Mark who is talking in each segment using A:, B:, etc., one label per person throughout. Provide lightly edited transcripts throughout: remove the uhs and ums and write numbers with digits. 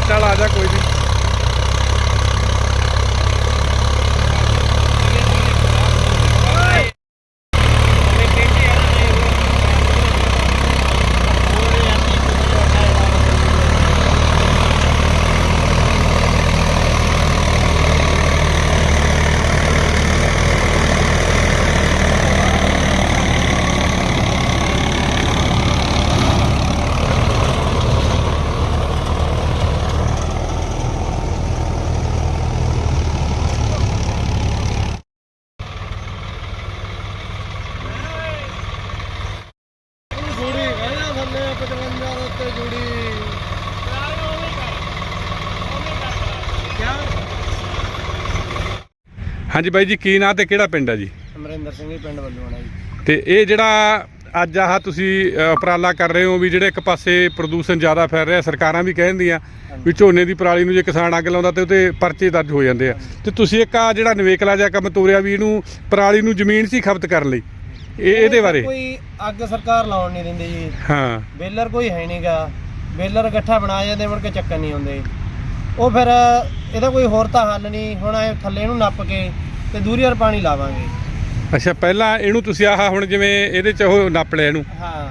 A: ਚੱਲ ਆ ਜਾ ਕੋਈ ਨਹੀਂ। हाँ जी बाई जी की नाम ते किहड़ा पिंड है जी?
B: अमरिंदर सिंह पिंड वल्लूआणा जी।
A: ते ये जिहड़ा अज आह तुसी उपराला कर रहे हो भी जिहड़े एक पासे प्रदूषण ज़्यादा फैल रहा, सरकारां भी कहदियां भी झोने की पराली नूं जे किसान अग लाउंदा ते उहते परचे दर्ज हो जाते हैं। ते तुसी एक आ जिहड़ा नवेकला जिहा काम तोरिया भी इहनूं पराली नूं जमीन सी खपत करन लई ਇਹਦੇ ਬਾਰੇ
B: कोई अग सरकार लाउण नहीं दिंदी जी।
A: हाँ
B: बेलर कोई है नहीं गा, बेलर इकट्ठा बना जांदे मुड़ के चक्कर नहीं आउंदे। ਉਹ ਫਿਰ ਇਹਦਾ ਕੋਈ ਹੋਰ ਤਾਂ ਹੱਲ ਨਹੀਂ। ਹੁਣ ਇਹ ਥੱਲੇ ਨੂੰ ਨੱਪ ਕੇ ਤੇ ਦੂਰੀ ਵਾਰ ਪਾਣੀ ਲਾਵਾਂਗੇ।
A: ਅੱਛਾ ਪਹਿਲਾਂ ਇਹਨੂੰ ਤੁਸੀਂ ਆਹ ਹੁਣ ਜਿਵੇਂ ਇਹਦੇ ਚ ਉਹ ਨੱਪ ਲਿਆ ਇਹਨੂੰ,
B: ਹਾਂ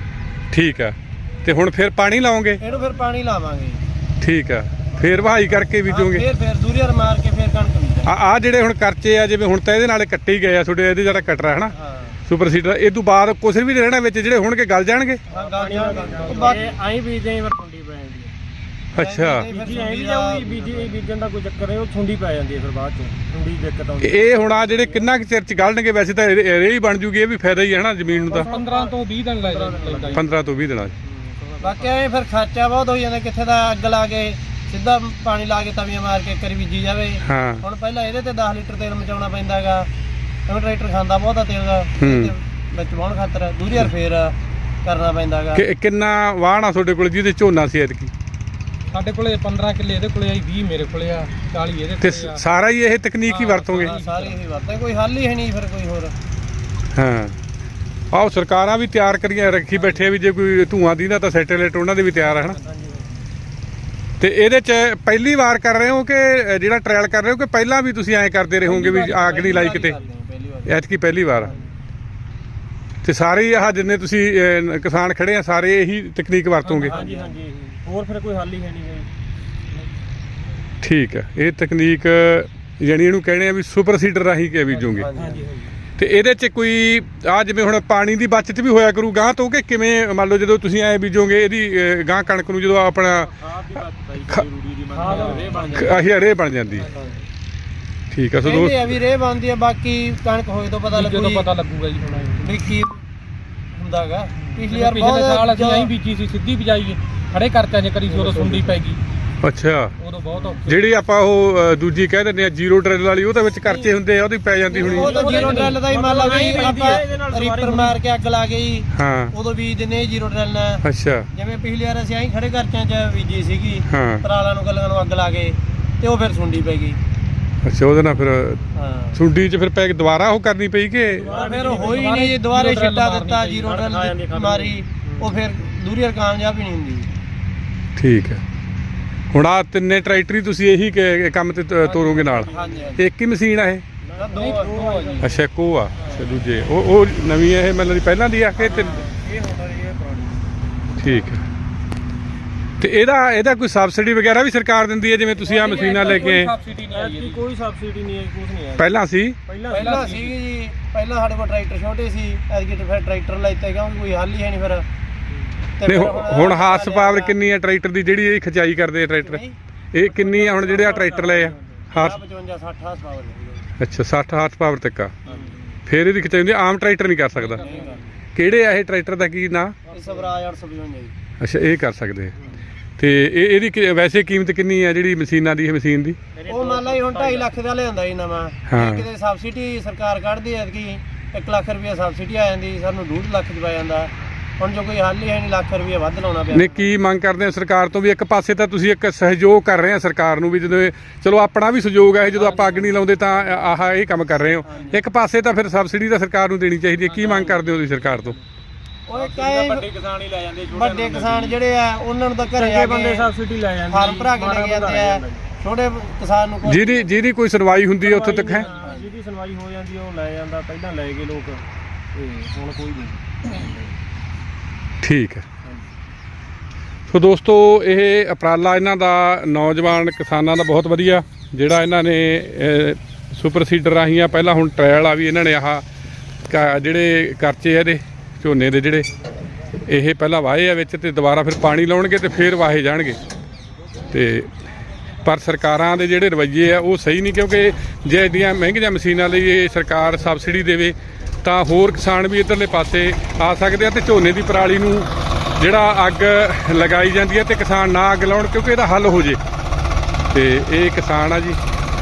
A: ਠੀਕ ਆ, ਤੇ ਹੁਣ ਫਿਰ ਪਾਣੀ ਲਾਓਗੇ?
B: ਇਹਨੂੰ ਫਿਰ ਪਾਣੀ ਲਾਵਾਂਗੇ,
A: ਠੀਕ ਆ, ਫਿਰ ਵਹਾਈ ਕਰਕੇ ਬੀਜੋਗੇ?
B: ਫਿਰ ਦੂਰੀ ਵਾਰ ਮਾਰ ਕੇ ਫਿਰ ਕਣਕ ਬੀਜਾਂਗੇ।
A: ਆ ਜਿਹੜੇ ਹੁਣ ਕਰਚੇ ਆ ਜਿਵੇਂ ਹੁਣ ਤਾਂ ਇਹਦੇ ਨਾਲ ਕੱਟੇ ਹੀ ਗਏ ਆ ਤੁਹਾਡੇ, ਇਹਦੇ ਜਿਹੜਾ ਕਟਰਾ ਹੈ ਨਾ ਸੁਪਰ ਸੀਡਰ, ਇਹ ਤੋਂ ਬਾਅਦ ਕੁਛ ਵੀ ਰਹਿਣਾ ਵਿੱਚ ਜਿਹੜੇ ਹੋਣਗੇ ਗਲ ਜਾਣਗੇ?
B: ਹਾਂ ਗਲ ਜਾਣਗੇ। ਆਈ ਬੀਜਦੇ ਫਿਰ ਠੁੰਡੀ ਪੈ ਜਾਂਦੀ ਹੈ।
A: ਅੱਛਾ
B: ਬੀਜੀ ਐ ਵੀ ਜਾਊਗੀ, ਬੀਜਣ ਦਾ ਕੋਈ ਚੱਕਰ ਨਹੀਂ, ਉਹ ਠੁੰਡੀ ਪੈ ਜਾਂਦੀ ਹੈ ਫਿਰ ਬਾਅਦ ਚੋਂ ਠੁੰਡੀ ਦਿੱਕਤ ਆਉਂਦੀ।
A: ਇਹ ਹੁਣ ਆ ਜਿਹੜੇ ਕਿੰਨਾ ਕੁ ਚਿਰ ਚ ਗਲਣਗੇ? ਵੈਸੇ ਤਾਂ ਰੇ ਹੀ ਬਣ ਜੂਗੀ, ਇਹ ਵੀ ਫਾਇਦਾ ਹੀ ਹੈ ਨਾ ਜ਼ਮੀਨ ਨੂੰ ਤਾਂ।
B: 15 ਤੋਂ 20 ਦਿਨ ਲੱਗ ਜਾਂਦੇ।
A: 15 ਤੋਂ 20 ਦਿਨਾਂ
B: ਬਾਕੀ ਐ ਫਿਰ ਖਰਚਾ ਬਹੁਤ ਹੋ ਜਾਂਦਾ। ਕਿੱਥੇ ਦਾ ਅੱਗ ਲਾ ਕੇ ਸਿੱਧਾ ਪਾਣੀ ਲਾ ਕੇ ਤਵੀਆਂ ਮਾਰ ਕੇ ਕਰੀ ਬੀਜੀ ਜਾਵੇ।
A: ਹਾਂ
B: ਹੁਣ ਪਹਿਲਾਂ ਇਹਦੇ ਤੇ 10 ਲੀਟਰ ਤੇਲ ਮਚਾਉਣਾ ਪੈਂਦਾ ਹੈਗਾ, ਕਿਉਂਕਿ ਟਰੈਕਟਰ ਖਾਂਦਾ ਬਹੁਤ ਆ ਤੇਲ ਦਾ, ਵਿੱਚ ਵਾਹਣ ਖਾਤਰ ਦੂਰੀ ਵਾਰ ਫੇਰ ਕਰਨਾ ਪੈਂਦਾ ਹੈਗਾ।
A: ਕਿੰਨਾ ਵਾਹਣ ਆ ਤੁਹਾਡੇ ਕੋਲ ਜਿਹਦੇ ਝੋਨਾ ਸੀ ਐਤਕੀ?
B: ਸਾਡੇ ਕੋਲੇ 15 ਕਿੱਲੇ ਇਹਦੇ ਕੋਲੇ ਆਈ, 20 ਮੇਰੇ ਕੋਲੇ ਆ, 40 ਇਹਦੇ
A: ਤੇ ਸਾਰਾ ਹੀ ਇਹ ਤਕਨੀਕ ਹੀ ਵਰਤੋਗੇ?
B: ਸਾਰੇ ਇਹੀ ਵਰਤਾਂ, ਕੋਈ ਹੱਲ ਹੀ ਹੈ ਨਹੀਂ ਫਿਰ ਕੋਈ ਹੋਰ।
A: ਹਾਂ ਆਓ ਸਰਕਾਰਾਂ ਵੀ ਤਿਆਰ ਕਰੀਆਂ ਰੱਖੀ ਬੈਠੇ ਵੀ ਜੇ ਕੋਈ ਧੂਆਂ ਦੀ ਨਾ ਤਾਂ ਸੈਟੇਲਾਈਟ ਉਹਨਾਂ ਦੇ ਵੀ ਤਿਆਰ ਹੈ ਨਾ। ਤੇ ਇਹਦੇ ਚ ਪਹਿਲੀ ਵਾਰ ਕਰ ਰਹੇ ਹੋ ਕਿ ਜਿਹੜਾ ਟ੍ਰਾਇਲ ਕਰ ਰਹੇ ਹੋ ਕਿ ਪਹਿਲਾਂ ਵੀ ਤੁਸੀਂ ਐਂ ਕਰਦੇ ਰਹੇ ਹੋਗੇ ਵੀ ਅੱਗ ਨਹੀਂ ਲਾਈ ਕਿਤੇ? ਐਤਕੀ ਪਹਿਲੀ ਵਾਰ। ਤੇ ਸਾਰੇ ਆਹ ਜਿੰਨੇ ਤੁਸੀਂ ਕਿਸਾਨ ਖੜੇ ਆ ਸਾਰੇ ਇਹੀ ਤਕਨੀਕ ਵਰਤੋਗੇ?
B: ਹਾਂਜੀ ਹਾਂਜੀ, ਹੋਰ ਫਿਰ ਕੋਈ ਹੱਲ ਹੀ ਹੈ ਨਹੀਂ ਗਾ।
A: ਠੀਕ ਹੈ, ਇਹ ਤਕਨੀਕ ਯਾਨੀ ਇਹਨੂੰ ਕਹਿੰਦੇ ਆ ਵੀ ਸੁਪਰ ਸੀਡਰ ਰਾਹੀਂ ਕੇ ਬੀਜੋਗੇ। ਤੇ ਇਹਦੇ ਚ ਕੋਈ ਆ ਜਿਵੇਂ ਹੁਣ ਪਾਣੀ ਦੀ ਬਚਤ ਵੀ ਹੋਇਆ ਕਰੂ ਗਾਂ ਤੋਂ ਕਿ ਕਿਵੇਂ? ਮੰਨ ਲਓ ਜਦੋਂ ਤੁਸੀਂ ਐ ਬੀਜੋਗੇ ਇਹਦੀ ਗਾਂ ਕਣਕ ਨੂੰ ਜਦੋਂ ਆਪਣਾ ਆਹੀ ਰੇ ਬਣ ਜਾਂਦੀ ਹੈ। ਠੀਕ ਆ ਸੋ ਦੋਸਤ
B: ਇਹ ਵੀ ਰੇ ਬਣਦੀ ਆ, ਬਾਕੀ ਕਣਕ ਹੋਏ ਤੋਂ ਪਤਾ ਲੱਗੂਗਾ ਜੀ ਹੁਣ ਵੀ ਕੀ ਹੁੰਦਾਗਾ। ਪਿਛਲੀ ਵਾਰ ਬਹੁਤ ਸਾਲ ਅਸੀਂ ਐਂ ਬੀਜੀ ਸੀ, ਸਿੱਧੀ ਬਿਜਾਈ ਖੜੇ ਕਰਤਿਆਂ ਜੇ ਕਰੀ ਸੀ, ਉਦੋਂ ਸੁੰਡੀ ਪੈ ਗਈ।
A: ਅੱਛਾ
B: ਉਦੋਂ ਬਹੁਤ
A: ਜਿਹੜੀ ਆਪਾਂ ਉਹ ਦੂਜੀ ਕਹਿ ਦਿੰਦੇ ਆ ਜ਼ੀਰੋ ਡਰਿਲ ਵਾਲੀ, ਉਹ ਤਾਂ ਵਿੱਚ ਕਰਚੇ ਹੁੰਦੇ ਆ, ਉਹਦੀ ਪੈ ਜਾਂਦੀ ਹੋਣੀ।
B: ਉਹ ਤਾਂ ਜ਼ੀਰੋ ਡਰਿਲ ਦਾ ਹੀ ਮੰਨ ਲਾ ਵੀ ਆਪਾਂ ਰੀਪਰ ਮਾਰ ਕੇ ਅੱਗ ਲਾ ਗਈ,
A: ਹਾਂ
B: ਉਦੋਂ ਬੀਜ ਦਿੰਦੇ ਜ਼ੀਰੋ ਡਰਿਲ ਨਾਲ।
A: ਅੱਛਾ
B: ਜਿਵੇਂ ਪਿਛਲੀ ਵਾਰ ਅਸੀਂ ਐਂ ਖੜੇ ਕਰਚਿਆਂ 'ਚ ਬੀਜੀ ਸੀਗੀ,
A: ਹਾਂ
B: ਪਰਾਲਾਂ ਨੂੰ ਗੱਲਾਂ ਨੂੰ ਅੱਗ ਲਾ ਕੇ ਤੇ ਉਹ ਫਿਰ ਸੁੰਡੀ ਪੈ ਗਈ।
A: ਅੱਛਾ ਉਹਦੇ ਨਾਲ ਫਿਰ
B: ਹਾਂ
A: ਸੁੰਡੀ 'ਚ ਫਿਰ ਪੈ ਕੇ ਦੁਬਾਰਾ ਉਹ ਕਰਨੀ ਪਈ ਕਿ?
B: ਫਿਰ ਹੋਈ ਨਹੀਂ ਜੀ, ਦੁਬਾਰੇ ਛਿੱਟਾ ਦਿੱਤਾ ਜ਼ੀਰੋ ਡਰਿਲ ਮਾਰੀ, ਉਹ ਫਿਰ ਦੂਰੀ ਕਾਮਯਾਬ ਹੀ ਨਹੀਂ ਹੁੰਦੀ।
A: ਠੀਕ ਹੈ, ਹੁਣ ਆ ਤਿੰਨੇ ਟਰੈਕਟਰ ਹੀ ਤੁਸੀਂ ਇਹੀ ਕੰਮ ਤੇ ਤੋਰੋਗੇ ਨਾਲ?
B: ਹਾਂਜੀ
A: ਇੱਕ ਹੀ ਮਸ਼ੀਨ ਆ ਇਹ?
B: ਦੋ ਜੀ।
A: ਅੱਛਾ ਇੱਕੋ ਆ। ਅੱਛਾ ਦੂਜੇ ਉਹ ਨਵੀਂ ਇਹ ਮੈਨੂੰ ਪਹਿਲਾਂ ਦੀ ਆ ਕਿ ਠੀਕ ਹੈ। ਤੇ ਇਹਦਾ ਕੋਈ ਸਬਸਿਡੀ ਵਗੈਰਾ ਵੀ ਸਰਕਾਰ ਦਿੰਦੀ ਹੈ ਜਿਵੇਂ ਤੁਸੀਂ ਆ ਮਸ਼ੀਨਾਂ ਲੈ ਕੇ?
B: ਕੋਈ ਸਬਸਿਡੀ ਨਹੀਂ ਹੈ, ਕੁਝ ਨਹੀਂ ਹੈ।
A: ਪਹਿਲਾਂ ਸੀ?
B: ਪਹਿਲਾਂ ਸੀ ਜੀ, ਪਹਿਲਾਂ ਸਾਡੇ ਕੋਲ ਟਰੈਕਟਰ ਛੋਟੇ ਸੀ, ਐਤਕੀ ਫਿਰ ਟਰੈਕਟਰ ਲੈਤੇ ਕਿਉਂਕਿ ਕੋਈ ਹੱਲ ਹੀ ਹੈ ਨਹੀਂ ਫਿਰ।
A: ਨਹੀਂ ਹੁਣ ਹਾਰਸ ਪਾਵਰ ਕਿੰਨੀ ਹੈ ਟਰੈਕਟਰ ਦੀ ਜਿਹੜੀ ਇਹ ਖਿਚਾਈ ਕਰਦੇ ਆ ਟਰੈਕਟਰ? ਇਹ ਕਿੰਨੀ ਆ ਹੁਣ ਜਿਹੜੇ ਆ ਟਰੈਕਟਰ ਲਏ ਆ?
B: 55 60 ਹਾਰਸ ਪਾਵਰ।
A: ਅੱਛਾ 60 ਹਾਰਸ ਪਾਵਰ ਤੱਕ ਆ, ਫਿਰ ਇਹਦੀ ਖਿਚਾਈ ਹੁੰਦੀ। ਆਮ ਟਰੈਕਟਰ ਨਹੀਂ ਕਰ ਸਕਦਾ? ਕਿਹੜੇ ਆ ਇਹ ਟਰੈਕਟਰ ਦਾ ਕੀ ਨਾਂ?
B: ਸਵਰਾਜ 855 ਜੀ।
A: ਅੱਛਾ ਇਹ ਕਰ ਸਕਦੇ ਆ। ਤੇ ਇਹਦੀ ਵੈਸੇ ਕੀਮਤ ਕਿੰਨੀ ਆ ਜਿਹੜੀ ਮਸ਼ੀਨਾਂ ਦੀ? ਇਹ ਮਸ਼ੀਨ ਦੀ
B: ਉਹ ਮੰਨ ਲਾ ਹੁਣ 2.5 ਲੱਖ ਦਾ ਲਿਆਂਦਾ ਜੀ ਨਵਾਂ, ਕਿਤੇ ਸਬਸਿਡੀ ਸਰਕਾਰ ਕੱਢਦੀ ਹੈ ਕਿ 1 ਲੱਖ ਰੁਪਏ ਸਬਸਿਡੀ ਆ ਜਾਂਦੀ, ਸਾਨੂੰ 2.5 ਲੱਖ ਚ ਪੈ ਜਾਂਦਾ। ਹੁਣ ਜੋ ਕੋਈ ਹੱਲ ਹੀ ਹੈ ਨਹੀਂ, ਲੱਖ ਰੁਪਏ ਵੱਧ ਲਾਉਣਾ ਪਿਆ।
A: ਨਹੀਂ ਕੀ ਮੰਗ ਕਰਦੇ ਆ ਸਰਕਾਰ ਤੋਂ? ਵੀ ਇੱਕ ਪਾਸੇ ਤਾਂ ਤੁਸੀਂ ਇੱਕ ਸਹਿਯੋਗ ਕਰ ਰਹੇ ਆ ਸਰਕਾਰ ਨੂੰ ਵੀ, ਜਦੋਂ ਚਲੋ ਆਪਣਾ ਵੀ ਸਹਿਯੋਗ ਹੈ, ਜਦੋਂ ਆਪਾਂ ਅੱਗ ਨਹੀਂ ਲਾਉਂਦੇ ਤਾਂ ਆਹ ਇਹ ਕੰਮ ਕਰ ਰਹੇ ਹੋ। ਇੱਕ ਪਾਸੇ ਤਾਂ ਫਿਰ ਸਬਸਿਡੀ ਤਾਂ ਸਰਕਾਰ ਨੂੰ ਦੇਣੀ ਚਾਹੀਦੀ ਹੈ। ਕੀ ਮੰਗ ਕਰਦੇ ਹੋ ਤੁਸੀਂ ਸਰਕਾਰ ਤੋਂ?
B: ਉਹ ਕਈ
C: ਵੱਡੇ ਕਿਸਾਨ ਹੀ ਲੈ ਜਾਂਦੇ,
B: ਵੱਡੇ ਕਿਸਾਨ ਜਿਹੜੇ ਆ ਉਹਨਾਂ ਨੂੰ ਤਾਂ ਘਰੇ ਆ
C: ਬੰਦੇ
B: ਕੇ
C: ਸਬਸਿਡੀ ਲੈ ਜਾਂਦੇ,
B: ਫਾਰਮ ਭਰਾ ਕੇ ਲੈ ਕੇ ਜਾਂਦੇ ਆ। ਛੋਟੇ ਕਿਸਾਨ ਨੂੰ ਕੋਈ
A: ਜਿਹਦੀ ਕੋਈ ਸੁਣਵਾਈ ਹੁੰਦੀ ਹੈ ਉੱਥੇ ਤੱਕ ਹੈ,
C: ਜਿਹਦੀ ਸੁਣਵਾਈ ਹੋ ਜਾਂਦੀ ਉਹ ਲੈ ਜਾਂਦਾ, ਪਹਿਲਾਂ ਲੈ ਗਏ ਲੋਕ ਤੇ ਹੁਣ ਕੋਈ ਨਹੀਂ।
A: ਠੀਕ ਹੈ। ਸੋ ਦੋਸਤੋ ਇਹ ਉਪਰਾਲਾ ਇਹਨਾਂ ਦਾ ਨੌਜਵਾਨ ਕਿਸਾਨਾਂ ਦਾ ਬਹੁਤ ਵਧੀਆ, ਜਿਹੜਾ ਇਹਨਾਂ ਨੇ ਸੁਪਰ ਸੀਡਰ ਰਾਹੀਂ ਆ, ਪਹਿਲਾਂ ਹੁਣ ਟ੍ਰਾਇਲ ਆ ਵੀ ਇਹਨਾਂ ਨੇ ਆਹ ਜਿਹੜੇ ਕਰਚੇ ਆ ਇਹਦੇ ਝੋਨੇ ਦੇ ਜਿਹੜੇ ਇਹ ਪਹਿਲਾਂ ਵਾਹੇ ਆ ਵਿੱਚ, ਤੇ ਦੁਬਾਰਾ ਫਿਰ ਪਾਣੀ ਲਾਉਣਗੇ ਤੇ ਫਿਰ ਵਾਹੇ ਜਾਣਗੇ। ਤੇ ਪਰ ਸਰਕਾਰਾਂ ਦੇ ਜਿਹੜੇ ਰਵੱਈਏ ਆ ਉਹ ਸਹੀ ਨਹੀਂ, ਕਿਉਂਕਿ ਜੇ ਇੰਨੀਆਂ ਮਹਿੰਗੀਆਂ ਮਸ਼ੀਨਾਂ ਲਈ ਇਹ ਸਰਕਾਰ ਸਬਸਿਡੀ ਦੇਵੇ ਤਾਂ ਹੋਰ ਕਿਸਾਨ ਵੀ ਇੱਧਰਲੇ ਪਾਸੇ ਆ ਸਕਦੇ ਆ, ਤੇ ਝੋਨੇ ਦੀ ਪਰਾਲੀ ਨੂੰ ਜਿਹੜਾ ਅੱਗ ਲਗਾਈ ਜਾਂਦੀ ਹੈ ਤੇ ਕਿਸਾਨ ਨਾ ਅੱਗ ਲਾਉਣ, ਕਿਉਂਕਿ ਇਹਦਾ ਹੱਲ ਹੋ ਜੇ। ਤੇ ਇਹ ਕਿਸਾਨ ਆ ਜੀ,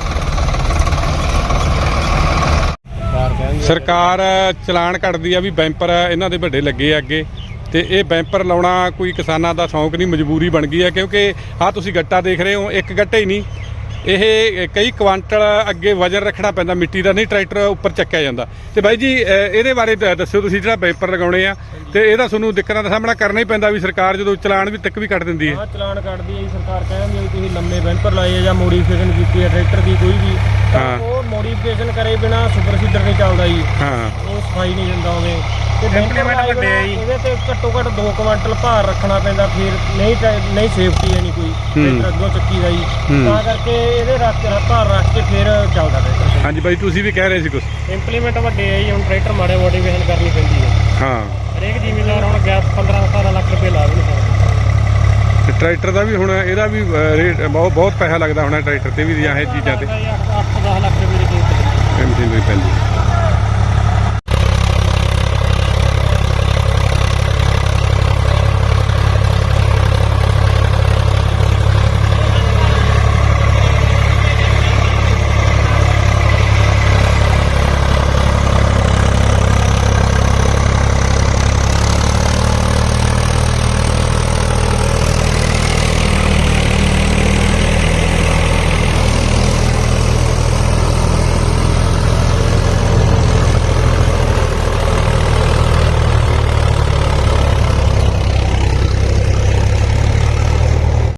A: ਸਰਕਾਰ ਚਲਾਨ ਕੱਢਦੀ ਆ ਵੀ ਬੈਂਪਰ ਇਹਨਾਂ ਦੇ ਵੱਡੇ ਲੱਗੇ ਆ ਅੱਗੇ, ਤੇ ਇਹ ਬੈਂਪਰ ਲਾਉਣਾ ਕੋਈ ਕਿਸਾਨਾਂ ਦਾ ਸ਼ੌਂਕ ਨਹੀਂ, ਮਜਬੂਰੀ ਬਣ ਗਈ ਹੈ। ਕਿਉਂਕਿ ਆਹ ਤੁਸੀਂ ਗੱਟਾ ਦੇਖ ਰਹੇ ਹੋ, ਇੱਕ ਗੱਟਾ ਹੀ ਨਹੀਂ, ਇਹ ਕਈ ਕੁਆਂਟਲ ਅੱਗੇ ਵਜ਼ਨ ਰੱਖਣਾ ਪੈਂਦਾ ਮਿੱਟੀ ਦਾ, ਨਹੀਂ ਟਰੈਕਟਰ ਉੱਪਰ ਚੱਕਿਆ ਜਾਂਦਾ। ਤੇ ਬਾਈ ਜੀ ਇਹਦੇ ਬਾਰੇ ਦੱਸਿਓ ਤੁਸੀਂ, ਜਿਹੜਾ ਬੈਂਪਰ ਲਗਾਉਣੇ ਆ ਤੇ ਇਹਦਾ ਤੁਹਾਨੂੰ ਦਿੱਕਤਾਂ ਦਾ ਸਾਹਮਣਾ ਕਰਨਾ ਹੀ ਪੈਂਦਾ ਵੀ ਸਰਕਾਰ ਜਦੋਂ ਚਲਾਨ ਵੀ ਤੱਕ ਵੀ ਕੱਟ ਦਿੰਦੀ ਹੈ।
C: ਹਾਂ, ਚਲਾਨ ਕੱਟਦੀ ਹੈ ਜੀ ਸਰਕਾਰ, ਕਹਿੰਦੀ ਹੈ ਤੁਸੀਂ ਲੰਮੇ ਬੈਂਪਰ ਲਾਏ ਆ ਜਾਂ ਮੋਡੀਫਿਕੇਸ਼ਨ ਕੀਤੀ ਹੈ ਟਰੈਕਟਰ ਦੀ ਕੋਈ ਵੀ, ਤਾਂ ਉਹ ਮੋਡੀਫਿਕੇਸ਼ਨ ਕਰੇ ਬਿਨਾ ਸੁਪਰ ਸੀਡਰ ਨਹੀਂ ਚੱਲਦਾ ਜੀ।
A: ਹਾਂ,
C: ਉਹ ਸਫਾਈ ਨਹੀਂ ਦਿੰਦਾ ਹੋਵੇ ਤੇ ਇੰਪਲੀਮੈਂਟ ਵੱਡੇ ਆ ਜੀ, ਇਹਦੇ ਤੇ ਘੱਟੋ ਘੱਟ 2 ਕੁਆਂਟਲ ਭਾਰ ਰੱਖਣਾ ਪੈਂਦਾ, ਫਿਰ ਨਹੀਂ ਸੇਫਟੀ ਹੈ ਨਹੀਂ ਕੋਈ ਟਰੈਕਟਰ ਅੱਗੋਂ ਚੱਕੀ ਦਾ ਜੀ, ਤਾਂ ਕਰਕੇ ਇਹਦੇ ਭਾਰ ਰੱਖ ਕੇ ਫਿਰ ਚੱਲਦਾ ਟਰੈਕਟਰ।
A: ਹਾਂਜੀ ਬਾਈ ਤੁਸੀਂ ਵੀ ਕਹਿ ਰਹੇ ਸੀ ਕੁਝ।
C: ਇੰਪਲੀਮੈਂਟ ਵੱਡੇ ਆ ਜੀ, ਹੁਣ ਟਰੈਕਟਰ ਮਾੜੇ ਮੋਡੀਫਿਕੇਸ਼ਨ ਕਰਨੀ ਪੈਂਦੀ ਹੈ।
A: ਹਾਂ,
C: ਹਰੇਕ ਜ਼ਿਮੀਂਦਾਰ ਹੁਣ ਗੈਪ 15-17 ਲੱਖ ਰੁਪਏ ਲਾ ਵੀ ਨਹੀਂ ਸਕਦਾ।
A: ਤੇ ਟਰੈਕਟਰ ਦਾ ਵੀ ਹੁਣ ਇਹਦਾ ਵੀ ਰੇਟ ਬਹੁਤ ਪੈਸਾ ਲੱਗਦਾ ਹੋਣਾ ਟਰੈਕਟਰ ਤੇ ਵੀ, ਜਾਂ ਇਹ ਚੀਜ਼ਾਂ ਤੇ
C: 8-10 ਲੱਖ ਰੁਪਏ ਦੀ ਕੀਮਤ
A: ਮਸ਼ੀਨਰੀ ਪੈਂਦੀ।